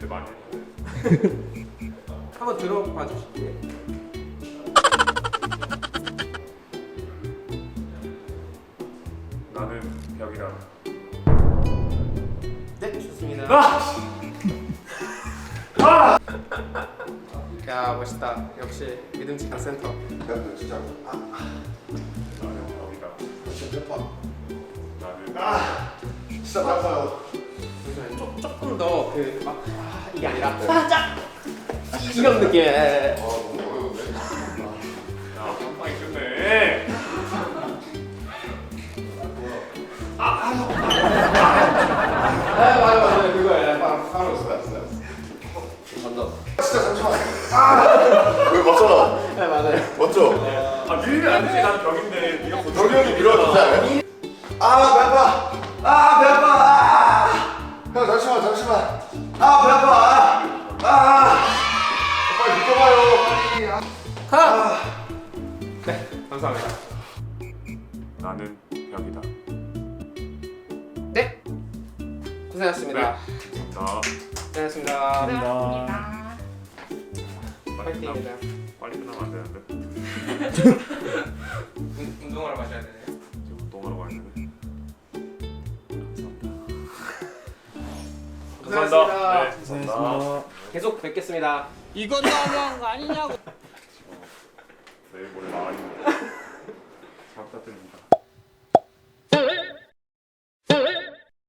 때 많이 했는데. 한번 들어봐 주실게요. 나는 벽이다. 네, 좋습니다. 아! 야, 멋있다. 역시 믿음직한 센터. 야, 진짜. 나는 벽이다. 진짜 봐. 나는 진짜 아파요. 잠시만요. 조금 더 그 이게 아니라 살짝 이런 느낌. 너무 어려운데. 야, 한 방에 끝내. 맞아 그거야. 바로 알았어. 간다. 진짜 잠시만. 왜 맞잖아. 네 맞아요. 맞죠? 아, 밀면 안 되지. 나는 벽인데. 네가 못 덕이 형이 밀어주지 않아요? 배 아파. 배 아파. 형 잠시만. 배 아파. 빨리 느껴봐요. 빨리. 네, 감사합니다. 나는 벽이다. 네, 고생하셨습니다. 나 고생하셨습니다. 고생하셨습니다. 파이팅입니다. 빨리 끝나면 안 되는데. 운동하러 가셔야 되네요. 지금 운동하러 가야 되네. 고생하셨습니다. 네, 감사합니다. 계속 뵙겠습니다. 이건 너무한 거 아니냐고. 내일 모레 나와 있는데. 잘 부탁드립니다.